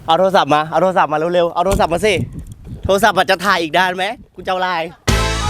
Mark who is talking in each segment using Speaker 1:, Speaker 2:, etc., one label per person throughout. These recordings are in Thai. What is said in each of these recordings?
Speaker 1: เอาโทรศัพท์มาเร็วๆเอาโทรศัพท์มาสิโทรศัพท์จะถ่ายอีกด้านไหมกูจะเอาไลน์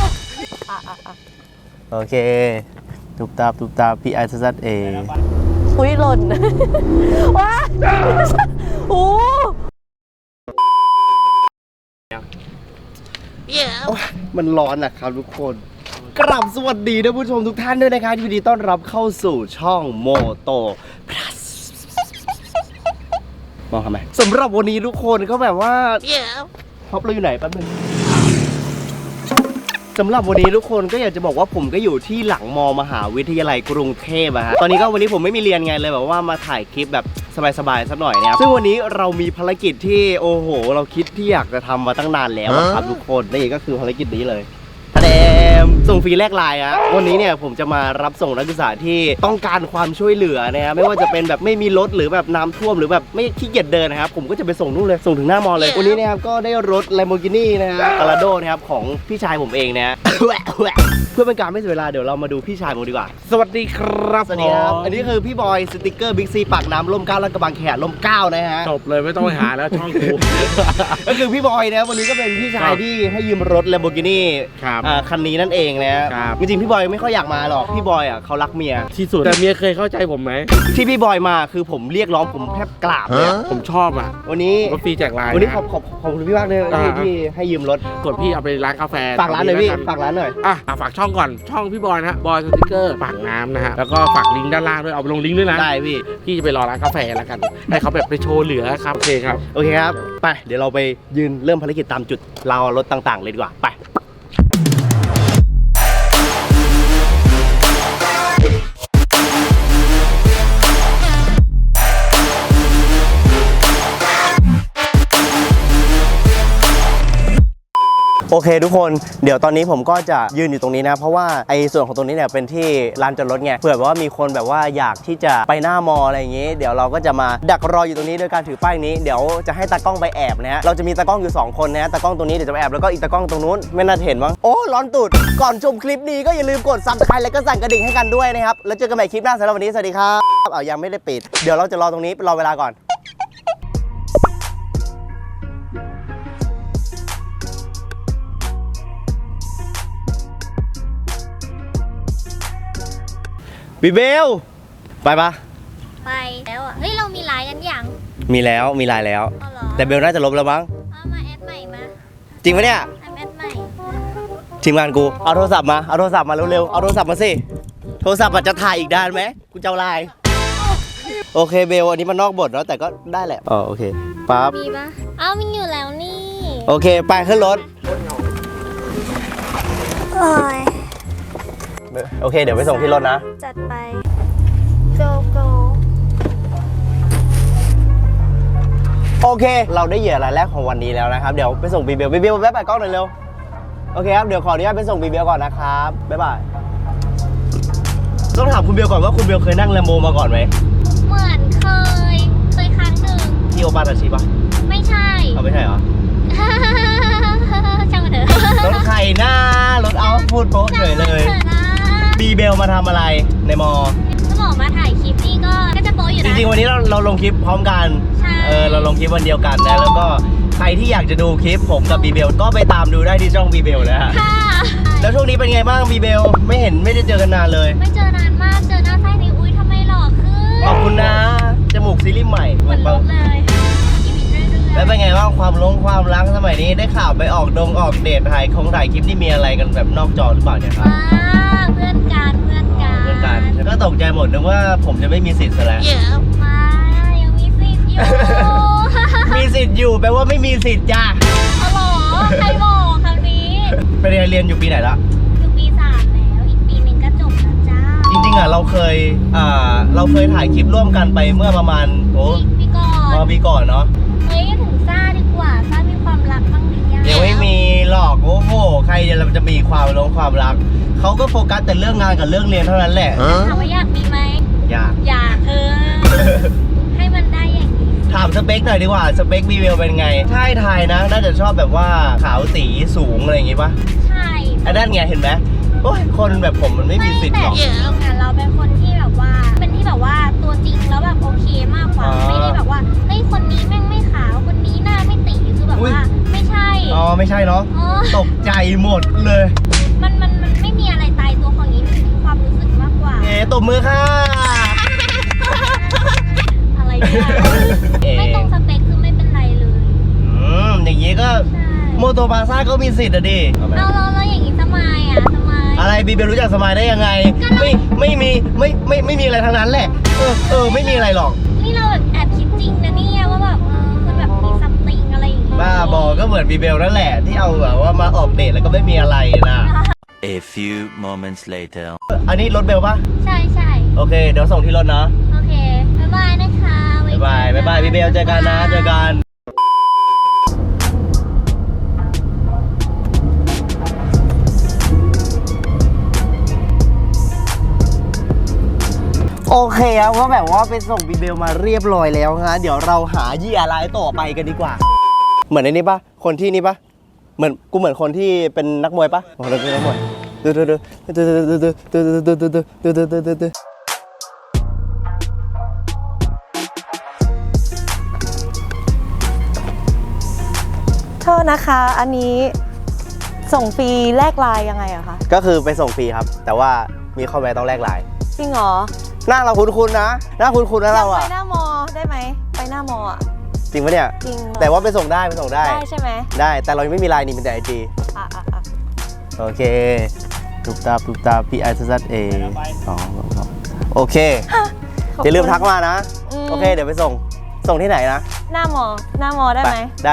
Speaker 1: โอเคตุบตาพี่ไอซัดเอ
Speaker 2: อุ้ยหล่นว้าโอ้
Speaker 1: มันร้อนนะครับทุกคนกราบสวัสดีท่านผู้ชมทุกท่านด้วยนะครับยินดีต้อนรับเข้าสู่ช่องโมโตพลัสมองทำไมสำหรับวันนี้ทุกคนก็แบบว่าท็อปเราอยู่ไหนแป๊บนึงสำหรับวันนี้ทุกคนก็อยากจะบอกว่าผมก็อยู่ที่หลังมมหาวิทยาลัยกรุงเทพตอนนี้ก็วันนี้ผมไม่มีเรียนไงเลยแบบว่ามาถ่ายคลิปแบบสบายๆสักหน่อยนะครับซึ่งวันนี้เรามีภารกิจที่โอ้โหเราคิดที่อยากจะทำมาตั้งนานแล้วครับทุกคนนี่ก็คือภารกิจนี้เลยส่งฟรีแลกไลน์วันนี้เนี่ยผมจะมารับส่งนักศึกษาที่ต้องการความช่วยเหลือนะครับไม่ว่าจะเป็นแบบไม่มีรถหรือแบบน้ำท่วมหรือแบบไม่ขี้เกียจเดินนะครับผมก็จะไปส่งนู่นเลยส่งถึงหน้ามอเลยวันนี้นะครับก็ได้รถ Lamborghini นะฮะ Gallardo นะครับของพี่ชายผมเองนะ เพื่อเป็นการไม่เสียเวลาเดี๋ยวเรามาดูพี่ชายผมดีกว่า
Speaker 3: สวัสดีครับ
Speaker 1: สวัสดีครับอันนี้คือพี่บอยสติกเกอร์บิ๊กซีปากน้ำร่ม9และกระบังแขนร่ม9นะฮะ
Speaker 3: จบเลยไม่ต้องไปหาแล้วช่องกู
Speaker 1: ก็คือพี่บอยนะวันนี้ก็เป็นพี่ชายที่ให้ยืมรถ Lamborghini คันนี้นั่นเองนะจริงๆพี่บอยไม่ค่อยอยากมาหรอกพี่บอยเขารักเมีย
Speaker 3: ที่สุดแต่เมียเคยเข้าใจผมไหม
Speaker 1: ที่พี่บอยมาคือผมเรียกร้องผมแทบกราบเลย
Speaker 3: ผมชอบ
Speaker 1: วันนี้
Speaker 3: รถฟรีแจกไลน์
Speaker 1: วันนี้ขอบคุณพี่มากเลยที่ให้ยืมรถ
Speaker 3: กดพี่เอาไปร้านกาแฟ
Speaker 1: ฝากร้านหน่อยพี่ฝากร้านหน่อย
Speaker 3: ฝากช่องก่อนช่องพี่บอยนะบอยสติ๊กเกอร์ปากน้ำนะฮะแล้วก็ฝากลิงก์ด้านล่างด้วยเอาไปลงลิงก์ด้วยนะ
Speaker 1: ได้พี่
Speaker 3: จะไปรอร้านกาแฟแล้วกันให้เขาแบบไปโชว์เหลือครับโอเคครับ
Speaker 1: ไปเดี๋ยวเราไปยืนเริ่มภารกิจตามจุดเรารถต่างๆเลยดีกว่าไปโอเคทุกคนเดี๋ยวตอนนี้ผมก็จะยืนอยู่ตรงนี้นะเพราะว่าไอ้ส่วนของตรงนี้เนี่ยเป็นที่ลานจอดรถไงเผื่อว่ามีคนแบบว่าอยากที่จะไปหน้ามออะไรอย่างงี้เดี๋ยวเราก็จะมาดักรออยู่ตรงนี้โดยการถือป้ายนี้เดี๋ยวจะให้ตากล้องไปแอบนะฮะเราจะมีตากล้องอยู่2คนนะตากล้องตรงนี้เดี๋ยวจะไปแอบแล้วก็อีกตากล้องตรงนู้นไม่น่าเห็นมั้งโอ้ร้อนตูดก่อนชมคลิปนี้ก็อย่าลืมกด Subscribe และก็สั่นกระดิ่งให้กันด้วยนะครับแล้วเจอกันใหม่คลิปหน้าสำหรับวันนี้สวัสดีครับยังไม่ได้ปิดเดี๋ยวเราจะรอตรงนี้รอเวลาก่อนบีเบลไปปะ
Speaker 2: ไปแล้วเฮ้ยเรามีไลน์กันยัง
Speaker 1: มีไลน์แล้วแต่เบลน่าจะลบแล้วมั้ง
Speaker 2: มาแอดใหม่มา
Speaker 1: จริงปะเนี่ย
Speaker 2: แอดใหม่
Speaker 1: ทีมงานกูเอาโทรศัพท์มาเร็วๆเอาโทรศัพท์มาสิโทรศัพท์จะถ่ายอีกด้านไหมกูจะเอาไลน์โอเคเบลอันนี้มันนอกบทแล้วแต่ก็ได้แหละโอเคปั๊บ
Speaker 2: มีปะมีอยู่แล้วนี่
Speaker 1: โอเคไปขึ้นรถโอเคเดี๋ยวไปส่งที่รถนะ
Speaker 2: จัดไป go
Speaker 1: โอเคเราได้เหยื่อรายแรกของวันนี้แล้วนะครับเดี๋ยวไปส่งบีเบลแวะไปกล้องหน่อยเร็วโอเคครับเดี๋ยวขออนุญาตไปส่งบีเบลก่อนนะครับบ๊ายบายต้องถามคุณเบลก่อนว่าคุณเบลเคยนั่งแลมโบมาก่อนไหม
Speaker 2: เหมือนเคยครั้งหนึ่ง
Speaker 1: ที่โอปาตาชิปะ
Speaker 2: ไม่ใช่
Speaker 1: ไม่ใช่เหรอ
Speaker 2: ช่างมันเถอะ
Speaker 1: รถใครหน้ารถเอาพูดโป๊ะเฉยเลยบีเบลมาทำอะไรในมอ
Speaker 2: ก็บอกมาถ่ายคลิปนี่ก็จะโป๊ะอยู่นะ
Speaker 1: จริงๆวันนี้เราลงคลิปพร้อมกันเราลงคลิปวันเดียวกันนะแล้วก็ใครที่อยากจะดูคลิปผมกับบีเบลก็ไปตามดูได้ที่ช่องบีเบลนะฮะแล้วช่วงนี้เป็นไงบ้างบีเบลไม่ได้เจอกันนานเลย
Speaker 2: ไม่เจอนานมากเจอหน้าไส้ในอุ้ยทำไมหล่อขึ้น
Speaker 1: ขอบคุณนะจมูกซีรีส์ใหม่
Speaker 2: เหมือนลบเลย
Speaker 1: แล้วเป็นไงบ้างความรักสมัยนี้ได้ข่าวไปออกเดทถ่ายคลิปนี่มีอะไรกันแบบนอกจอหรือเปล่าเนี่ยครับ
Speaker 2: เพื่อนกัน
Speaker 1: ก็ตกใจหมดนึกว่าผมจะไม่มีสิทธิ์ซะแล้ว
Speaker 2: ยังมีสิทธิ์อยู่
Speaker 1: มีสิทธิ์อยู่แปลว่าไม่มีสิทธิ์จ้า
Speaker 2: หรอใครบอกคำนี้
Speaker 1: ไปเรียนอยู่ปีไหนละ
Speaker 2: อยู่ปี 3แล้วอีกปีนึงก็จบแล้วจ้า
Speaker 1: จริงๆเราเคยถ่ายคลิปร่วมกันไปเมื่อประมาณปีก่อนเนาะ
Speaker 2: เฮ้ยถึงซ่าดีกว่าซ่ามีความรักบ้างหรือยัง
Speaker 1: ยังไม่มีหรอกโอ้โหใครจะมีความรักเขาก็โฟกัสแต่เรื่องงานกับเรื่องเรียนเท่านั้นแหละ
Speaker 2: ถามว่าอยากมีไหม
Speaker 1: อยาก
Speaker 2: ให้มันได้อย่างนี้
Speaker 1: ถามสเปคหน่อยดีกว่าสเปคบีเบลเป็นไงใช่ไทยนะน่าจะชอบแบบว่าขาวสีสูงอะไรอย่างงี้ปะ
Speaker 2: ใช่
Speaker 1: อันนั้นไงเห็นไหมโอ้ยคนแบบผมมันไม่มีสิทธิ์หรอก
Speaker 2: แต่เราเป็นคนที่แบบว่าตัวจริงแล้วแบบโอเคมากกว่าไม่ได้แบบว่าเฮ้ยคนนี้แม่งไม่ขาวคน
Speaker 1: ใช่เนาะ
Speaker 2: อ๋อ
Speaker 1: ตกใจหมดเลย
Speaker 2: มันไม่มีอะไรตายตัวของนี้มันเป็นความรู้สึกมากกว่า
Speaker 1: ตบมือค่ะ
Speaker 2: อะไรเนี่ยไม่ตรงสเปคคือไม่เป็นไรเลย
Speaker 1: อย่างนี้ก็
Speaker 2: ใช่
Speaker 1: โมโตบาซ่าก็มีสิทธิ์อะดิ
Speaker 2: เอาแล้วอย่างนี้สมายอ่ะสมาย
Speaker 1: อะไรบีเบลรู้จักสมายได้ยังไง ไม่มีอะไรทั้งนั้นแหละ ไม่มีอะไรหรอก
Speaker 2: นี่เราแบบแอบคิดจริงนะเนี่ยว่าแบบมันแบบมีซัมติงอะไรอย่างงี้
Speaker 1: บ้าบอก็เหมือนบีเบลนั่นแหละที่เอาแบบว่ามาออกเดทแล้วก็ไม่มีอะไรนะ
Speaker 4: A few moments later.
Speaker 1: อันนี้รถเบลปะ
Speaker 2: ใช่ใช่
Speaker 1: โอเค เดี๋ยวส่งที่รถนะ
Speaker 2: โอเคบ๊ายบายนะคะไว้
Speaker 1: บ๊ายบายบีเบลเจอกันนะ เจอกัน โอเคครับก็แบบว่าไปส่งบีเบลมาเรียบร้อยแล้วฮะเดี๋ยวเราหาเหยื่อรายต่อไปกันดีกว่า เหมือนในนี้ปะคนที่นี่ปะเหมือนคนที่เป็นนักมวยปะอ๋อเป็นนักมวยดู
Speaker 2: โทษนะคะ อันนี้ส่งฟรีแลกไลน์ยังไงอะคะ
Speaker 1: ก็คือไปส่งฟรีครับ แต่ว่ามีข้อแม้ต้องแลกไลน์
Speaker 2: จริงเหรอ
Speaker 1: หน้าเราคุ้นๆนะหน้าคุ้นๆนะเรา
Speaker 2: ไป
Speaker 1: อะ
Speaker 2: หน้ามอได้ไหมไปหน้ามออะ
Speaker 1: จริงปะเนี่ย
Speaker 2: จริงเหรอ
Speaker 1: แต่ว่าไปส่งได้
Speaker 2: ได้ใช่ไหม
Speaker 1: ได้แต่เรายังไม่มีไลน์นี่เป็นแต่ไอจี
Speaker 2: อ่ะ
Speaker 1: โอเคตุ๊บตาพี่ไอซัสเอ2โอเคอย่าลืมทักมานะ โอเคเดี๋ยวไปส่งที่ไหนนะ
Speaker 2: หน้ามอได้ไหม
Speaker 1: ได้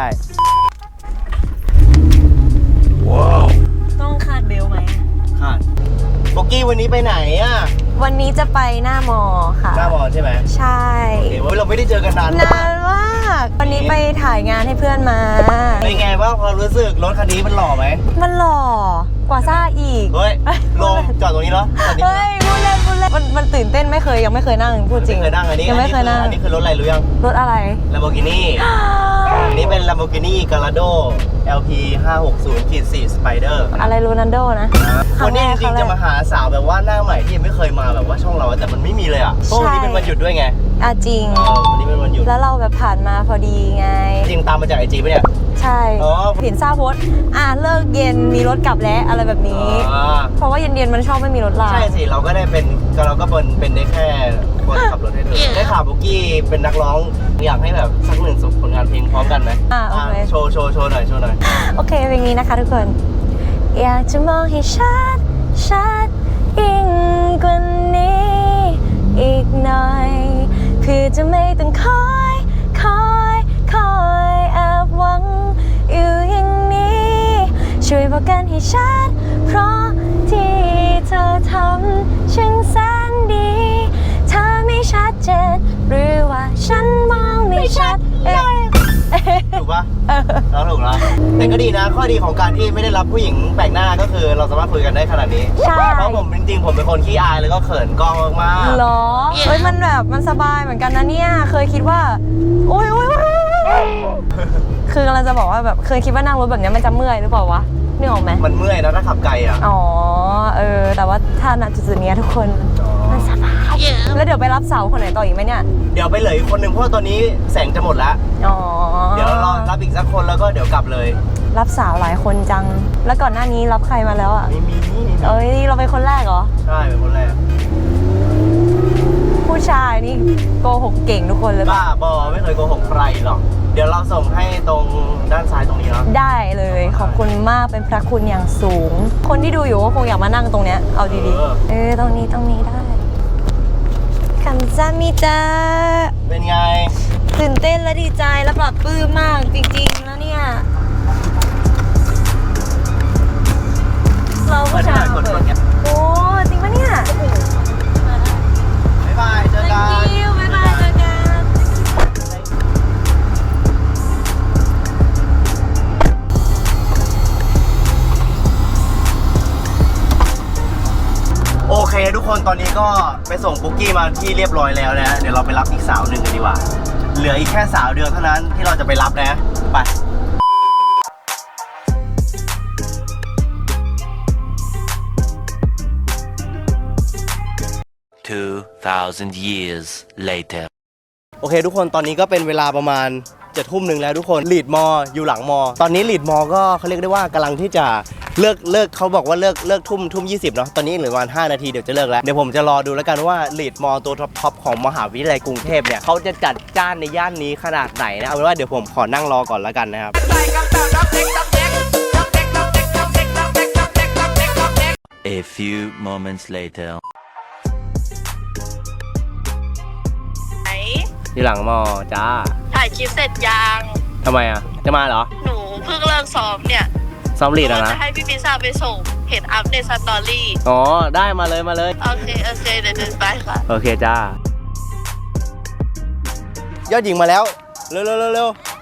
Speaker 2: ต้องคาดเบลไหม
Speaker 1: ค่ะโบกี้วันนี้ไปไหนอะ
Speaker 2: วันนี้จะไปหน้ามอค่ะ
Speaker 1: หน้ามอใช่ไหม
Speaker 2: ใช่
Speaker 1: โอเคว่าเราไม่ได้เจอกันนาน
Speaker 2: นานมากวันนี้ไปถ่ายงานให้เพื่อนมา
Speaker 1: เป็นไงบ้างความรู้สึกรถคันนี้มันหล่อไหม
Speaker 2: มันหล่อกว่าซ่าอีก
Speaker 1: เฮ้ยลงจอดตรงนี้เหรอจอดนี้
Speaker 2: เฮ้ยพูดเล่นมันตื่นเต้นยังไม่เคยนั่งพูดจริง
Speaker 1: ไม่เคยนั่งอันนี้
Speaker 2: ยังไม่เคยนั่ง
Speaker 1: อันนี้คือรถอะไรรู้ยัง
Speaker 2: รถอะไร
Speaker 1: Lamborghini อันนี้เป็น Lamborghini Gallardo LP 560-4 Spider
Speaker 2: อะไรโรนัลโดนะ
Speaker 1: วันนี้จริงๆจะมา
Speaker 2: ครั้แ
Speaker 1: หาสาวแบบว่าหน้าใหม่ที่ยังไม่เคยมาแบบว่าช่องเราแต่มันไม่มีเลยอ่ะเพราะวันนี้เป็นวันหยุดด้วยไง
Speaker 2: อ่ะจริง
Speaker 1: วันนี้เป็นวันหยุด
Speaker 2: แล้วเราแบบผ่านมาพอดีไง
Speaker 1: จริงตามมาจากไอจีปะเนี่ย
Speaker 2: ใช่
Speaker 1: อ๋อ
Speaker 2: เห็นซาโพสต์เลิกเย็นมีรถกลับแล้วอะไรแบบนี้ เพราะว่าเย็นๆมันชอบไม่มีรถลา
Speaker 1: ใช่สิเราก็ได้เป็นได้แค่คนขับรถให้เธอได้ข่าวบุกกี้เป็นนักร้องอยากให้แบบสักหนึ่งผลงานเพลงพร้อมกันไหม
Speaker 2: โอเค
Speaker 1: โชว์หน่อย
Speaker 2: โอเคเพลงนี้นะคะทุกคน อยากจะมองให้ชัดยิ่งกว่านี้อีกหน่อยเพื่อจะไม่ต้องคอยแอบหวังอยู่อย่างนี้ช่วยบอกกันให้ชัดเพราะที่เธอทำช่างแสนดีถ้าไม่ชัดเจนหรือว่าฉันมองไม่ชัด
Speaker 1: ถูกปะเราถูกแล้วแต่ก็ดีนะข้อดีของการที่ไม่ได้รับผู้หญิงแปลกหน้าก็คือเราสามารถคุยกันได้ขนาดนี้
Speaker 2: ใช่
Speaker 1: เพราะผมจริงๆผมเป็นคนขี้อายแล้วก็เขินกล้องมากๆ
Speaker 2: หรอเฮ้ยมันแบบมันสบายเหมือนกันนะเนี่ยเคยคิดว่าโอ๊ยคือกำลังจะบอกว่าแบบเคยคิดว่านั่งรถแบบนี้มันจะเมื่อยหรือเปล่าวะนึกออกไหม
Speaker 1: มันเมื่อยนะถ้าขับไกลอ่ะ
Speaker 2: อ๋อแต่ว่าถ้าณจุดๆนี้ทุกคนมันสบายแล้วเดี๋ยวไปรับสาวคนไหนต่ออีกไหมเนี่ย
Speaker 1: เดี๋ยวไปเหลืออีกคนหนึ่งเพราะตอนนี้แสงจะหมดแล้ว
Speaker 2: อ๋อ
Speaker 1: เดี๋ยวรอรับอีกสักคนแล้วก็เดี๋ยวกลับเลย
Speaker 2: รับสาวหลายคนจัง แล้วก่อนหน้านี้รับใครมาแล้วอ่ะ
Speaker 1: มี
Speaker 2: เอ้ยเราเป็นคนแรกเหรอ
Speaker 1: ใช่เป็นคนแรก
Speaker 2: ผู้ชายนี่โกหกเก่งทุกคนเลย
Speaker 1: บ้าบอไม่เคยโกหกใครหรอกเดี๋ยวเราส่งให้ตรงด้านซ้ายตรงนี้เนาะ
Speaker 2: ได้เลยขอบคุณมากเป็นพระคุณอย่างสูง คนที่ดูอยู่ก็คงอยากมานั่งตรงเนี้ยเอาดีๆตรงนี้ได้คำซามิจ้า
Speaker 1: เป็นไง
Speaker 2: ตื่นเต้นและดีใจและปลอดปลื้มมากจริงๆแล้วเนี่ยเราผู้ชาย
Speaker 1: กดเงี้ย
Speaker 2: โอ้จริงปะเนี่ย
Speaker 1: บ๊ายบายเจอกัน
Speaker 2: Thank you บ๊ายบายเจอกัน
Speaker 1: โอเคทุกคนตอนนี้ก็ไปส่งปุ๊กกี้มาที่เรียบร้อยแล้วนะ เดี๋ยวเราไปรับอีกสาวหนึ่งกันดีกว่า เหลืออีกแค่สาวเดียวเท่านั้นที่เราจะไปรับนะไป
Speaker 4: 2,000 years later.
Speaker 1: โอเคทุกคนตอนนี้ก็เป็นเวลาประมาณจะทุ่มหนึ่งแล้วทุกคนลีดมออยู่หลังมอตอนนี้ลีดมอก็เขาเรียกได้ว่ากำลังที่จะเลิกเขาบอกว่าเลิกทุ่ม 20เนาะตอนนี้เหลือประมาณ5 นาทีเดี๋ยวจะเลิกแล้วเดี๋ยวผมจะรอดูแล้วกันว่าลีดมอตัวท็อปของมหาวิทยาลัยกรุงเทพเนี่ยเขาจะจัดจ้านในย่านนี้ขนาดไหนนะเอาเป็นว่าเดี๋ยวผมขอนั่งรอก่อนแล้วกันนะครับ
Speaker 4: A few moments later.
Speaker 2: ไหน
Speaker 1: ที่หลังมอจ้า
Speaker 2: ถ่ายคลิปเสร็จยัง
Speaker 1: ทำไมอ่ะจะมาเหรอ
Speaker 2: หนูเพิ่งเลิกซ้อมเนี่ย
Speaker 1: ซ้อมลีดอะ
Speaker 2: ว่า
Speaker 1: นะ
Speaker 2: จะให้พี่พิซซ่าไปส่งเห็นอัพในสตอรี่
Speaker 1: อ๋อได้มาเลย
Speaker 2: โอเคเดี๋ยวเดินไปค่ะ
Speaker 1: โอเคจ้ายอดหญิงมาแล้วเร็ว
Speaker 2: เสร็จแล้ว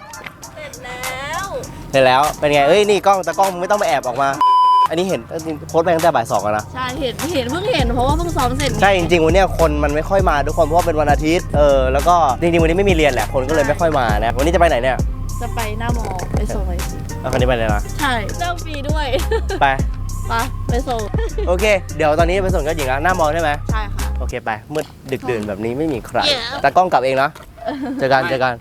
Speaker 1: เห็นแล้วเป็นไงเอ้ยนี่กล้องตากล้องมึงไม่ต้องไปแอบออกมา อันนี้เห็นโพสต์ไปตั้งแต่บ่าย 2แล้วนะ
Speaker 2: ใช่เห็นเพิ่งเห็นเพราะว่าเพิ่งซ้อมเสร็จ
Speaker 1: ใช่จริงๆวันเนี้ยคนมันไม่ค่อยมาทุกคนเพราะว่าเป็นวันอาทิตย์แล้วก็จริงๆวันนี้ไม่มีเรียนแหละคนก็เลยไม่ค่อยมานะวันนี้จะไปไหนเนี่ย
Speaker 2: จะไปหน้ามอไปส่งเลย
Speaker 1: เอาคันนี้ไปเลยนะ
Speaker 2: ใช่เลิกฟรีด้วย
Speaker 1: ไป
Speaker 2: ไปส่ง
Speaker 1: โอเค เดี๋ยวตอนนี้ไปส่งยอดหญิงแล้วหน้ามอใช่ไหม
Speaker 2: ใช่ค่ะ
Speaker 1: โอเคไปมืดดึกดื่นแบบนี้ไม่มีใครตากล้องกลับเองนะเจอกัน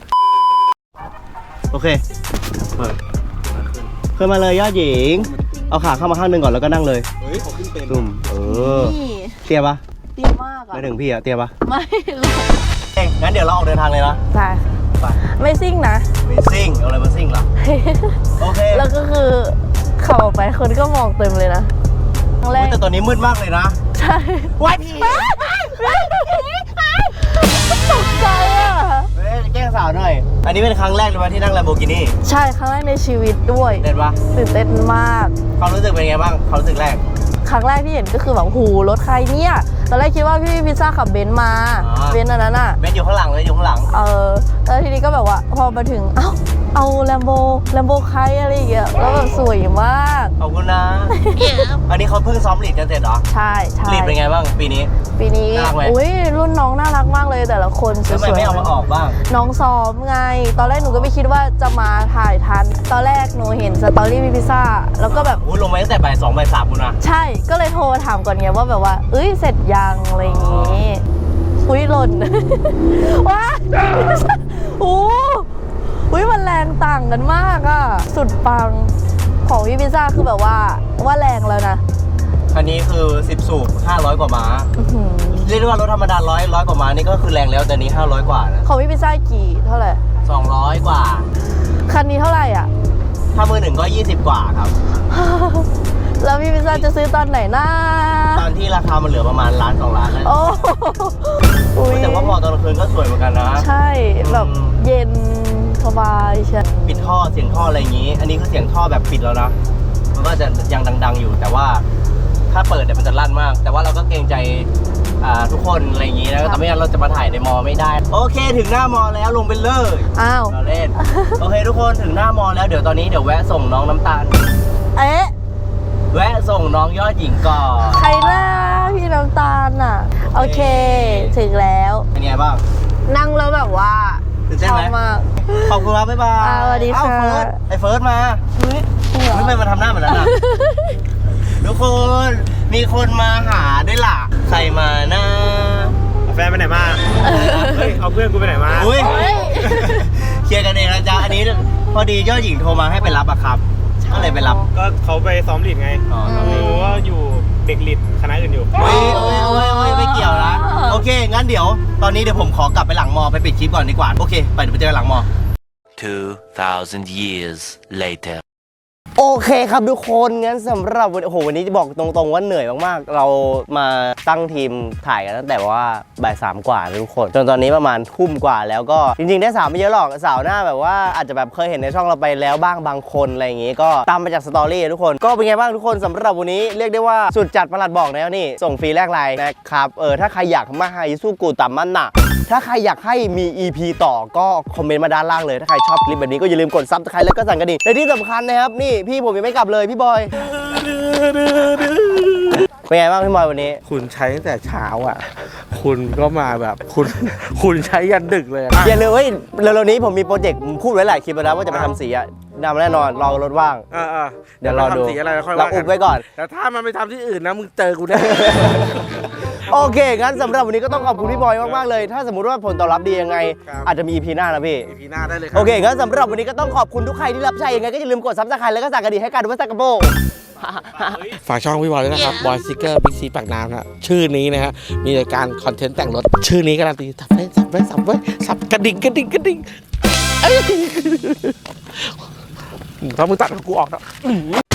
Speaker 1: โอเคเปิดขึ้นมาเลยยอดหญิงเอาขาเข้ามาข้างหนึงก่อนแล้วก็นั่งเลยเฮ้ยขอขึ้นเป็นดุ่ม
Speaker 2: นี่
Speaker 1: เตี้ยปะ
Speaker 2: ดีมากอ่ะ
Speaker 1: ไม่ถึงพี่อะเตี้ยปะ
Speaker 2: ไม่หรอก
Speaker 1: เอ้ยงั้นเดี๋ยวเราออกเดินทางเลยนะ
Speaker 2: ใช่
Speaker 1: ไป
Speaker 2: ไม่ซิ่งนะ
Speaker 1: ไม่ซิ่งเอาอะไรมาซิ่งล่ะโอเค
Speaker 2: แล้วก็คือขับออกไปคนก็มองเต็มเลยนะครั้งแร
Speaker 1: อุ๊ย
Speaker 2: ก
Speaker 1: แต่ตอนนี้มืดมากเลยนะ
Speaker 2: ใช่
Speaker 1: ว้ายพี่
Speaker 2: ตกใจอ่ะ
Speaker 1: เฮ้ยแกล้งสาวหน่อย อันนี้เป็นครั้งแรกเลยไหมที่นั่ง Lamborghini
Speaker 2: ใช่ครั้งแรกในชีวิตด้วย
Speaker 1: เด็ดปะ
Speaker 2: ตื่นเต้นมาก
Speaker 1: ความรู้สึกเป็นไงบ้างความรู้สึกแรก
Speaker 2: ครั้งแรกที่เห็นก็คือแบบหูรถใครเนี่ยตอนแรกคิดว่าพี่พิซซ่าขับเบนซ์มา
Speaker 1: อ๋อ
Speaker 2: เบนซ์อันนั้นอ่ะ
Speaker 1: เบนซ์อยู่ข้างหลังเลยอยู่ข้างหลัง
Speaker 2: แล้วทีนี้ก็แบบว่าพอมาถึงเอาแลมโบใครอะไรอย่างเงี้ยแล้วแบบสวยมาก
Speaker 1: ขอบคุณนะ อันนี้เขาเพิ่งซ้อมลีดกันเสร็จเหรอ
Speaker 2: ใช่
Speaker 1: ลีดเป็นไงบ้างปีนี้
Speaker 2: ปีนี้
Speaker 1: น่ารักไหม
Speaker 2: อุ้ยรุ่นน้องน่ารักมากเลยแต่ละคนส
Speaker 1: ทำไม
Speaker 2: วย
Speaker 1: ไม่เอามาออกบ้าง
Speaker 2: ๆน้องซ้อมไง ตอนแรกหนูก็ไม่คิดว่าจะมาถ่ายทัน ตอนแรกหนูเห็นสตอรี่พี่พิซซ่าแล้วก็แบบ
Speaker 1: อู้ลงมาตั้งแต่บ่าย 2 บ่าย 3คุณนะ
Speaker 2: ใช่ก็เลยโทรถามก่อนไงว่าแบบว่าเอ้ยเสร็จยังอะไรอย่างงี้อุ้ยหล่น ว้าโอ้อุ้ยมันแรงต่างกันมากอะสุดปังของพี่พิซซ่าคือแบบว่าแรงแล้วนะ
Speaker 1: คันนี้คือ 10 สูบ 500 กว่าม้า
Speaker 2: อื้อหือ
Speaker 1: เรียกได้ว่ารถธรรมดา100 กว่าม้านี่ก็คือแรงแล้วแต่นี้ 500 กว่านะ
Speaker 2: ของพี่พิซซ่ากี่เท่าไหร่
Speaker 1: 200 กว่า
Speaker 2: คันนี้เท่าไหร่อ่ะ
Speaker 1: ถ้ามือหนึ่งก็ 20 กว่าครับ
Speaker 2: แล้วพี่พิซซ่าจะซื้อตอนไหนนะ
Speaker 1: ตอนที่ราคามันเหลือประมาณล้าน2 ล้านแล้ว
Speaker 2: โอ้อุ๊ย
Speaker 1: แต่ว่าพอตอนกลางคืนก็สวยเหมือนกันนะ
Speaker 2: ใช่แบบเย็นสบายใช่
Speaker 1: ปิดท่อเสียงท่ออะไรอย่างนี้ อันนี้คือเสียงท่อแบบปิดแล้วนะ มันก็จะยังดังๆอยู่ แต่ว่าถ้าเปิดเนี่ยมันจะลั่นมาก แต่ว่าเราก็เกรงใจทุกคนอะไรอย่างนี้นะแต่ไม่งั้นเราจะมาถ่ายในมอไม่ได้ โอเคถึงหน้ามอแล้วลงไปเลย
Speaker 2: อ้าว
Speaker 1: เราเล่น โอเคทุกคนถึงหน้ามอแล้วเดี๋ยวตอนนี้เดี๋ยวแวะส่งน้องน้ำตาล
Speaker 2: เอ๊ะ
Speaker 1: แวะส่งน้องยอดหญิงก่อน
Speaker 2: ใครหน้าพี่น้ำตาลอ่ะ โอเค ถึงแล้ว
Speaker 1: เป็นไงบ้าง
Speaker 2: นั่งแล้วแบบว่า
Speaker 1: ตื่นเต้น
Speaker 2: ชอ
Speaker 1: ไหม
Speaker 2: บมาก
Speaker 1: ขอบคุณครับบ๊ายบาย
Speaker 2: สวัสดี
Speaker 1: เอ้า
Speaker 2: ค่ะ
Speaker 1: เฟิร์สไอ้เฟิร์สมา
Speaker 2: เฮ้ยจริงเหรอ
Speaker 1: ไม่มาทำหน้าเหมือนนั้นอ่ะ ทุกคนมีคนมาหาด้วยล่ะ ใครมานะ
Speaker 5: แฟนไปไหนมา เฮ้ย เอาเพื่อนกูไปไหนมา
Speaker 1: อุ้ย
Speaker 2: เฮ้ย
Speaker 1: เคลียร์กันเองนะจ๊ะ อันนี้พอดียอดหญิงโทรมาให้ไปรับอะครับ ก็เลยไปรับ
Speaker 5: ก็เขาไปซ้อมลีดไง
Speaker 1: อ๋อ
Speaker 5: ไม่รู้ว่าอยู่เด็กลีดคณะอื่นอยู่
Speaker 1: เฮ้ยไม่เกี่ยวนะ โอเค งั้นเดี๋ยวตอนนี้เดี๋ยวผมขอกลับไปหลังมอไปปิดคลิปก่อนดีกว่า โอเค ไปเดี๋ยวไปเจอกันหลังมอ
Speaker 4: 2,000 years later.
Speaker 1: โอเคครับทุกคนงั้นสำหรับวันโอ้โหวันนี้จะบอกตรงๆว่าเหนื่อยมากๆ เรามาตั้งทีมถ่ายกันตั้งแต่ว่าบ่าย 3 กว่านะทุกคนจนตอนนี้ประมาณทุ่มกว่าแล้วก็จริงๆได้สาวไม่เยอะหรอกสาวหน้าแบบว่าอาจจะแบบเคยเห็นในช่องเราไปแล้วบ้างบางคนอะไรอย่างงี้ก็ตามมาจากสตอรี่ทุกคนก็เป็นไงบ้างทุกคนสำหรับวันนี้เรียกได้ว่าสุดจัดประหลัดบอกแล้วนี่ส่งฟรีแลกไลน์นะครับถ้าใครอยากมาให้สู้กูตามมันน่ะถ้าใครอยากให้มี EP ต่อก็คอมเมนต์มาด้านล่างเลยถ้าใครชอบคลิปแบบนี้ก็อย่าลืมกดซับสไครต์แล้วก็สั่นกระดิ่งและที่สำคัญนะครับนี่พี่ผมยังไม่กลับเลยพี่บอยเป็นไงบ้างพี่บอยวันนี้
Speaker 3: คุณใช้ตั้งแต่เช้าอ่ะ คุณก็มาแบบคุณใช้ยันดึกเลยอะ
Speaker 1: อย่าลืมเฮ้ยเร็วๆนี้ผมมีโปรเจกต์พูดไว้หลายคลิปแล้วนะว่าจะไปทำสีอะดำแน่นอนรอรถว่าง เดี๋ยวรอดู
Speaker 3: ทำสีอะไรแล้วค่อย
Speaker 1: เรา
Speaker 3: ว่า
Speaker 1: อุบไว้ก่อน
Speaker 3: แต่ถ้ามันไปทำที่อื่นนะมึงเจอกูแน่
Speaker 1: โอเคงั้นสำหรับวันนี้ก็ต้องขอบคุณพี่บอยมากๆเลย ถ้าสมมติว่าผลตอบรับดียังไง อาจจะมี EP หน้านะพี่
Speaker 3: EP หน้าได้เลยครั
Speaker 1: โอเคงั้นสำหรับวันนี้ก็ต้องขอบคุณทุกใครที่รับใช้ยังไงก็อย่าลืมกดซับสไครต์แล้วก็สั่งกระดิ่งให้การดูว่าสักกระโบ
Speaker 3: ฝากช่องพี่บอยด้วยนะครับบอยสติ๊กเกอร์บิ๊กซีปากน้ำนะชื่อนี้นะฮะมีรายการคอนเทนต์แต่งรถชื่อนี้การันตีสับสับกระดิ่งเอ้ยถ้ามึงตัดกูออกแล้ว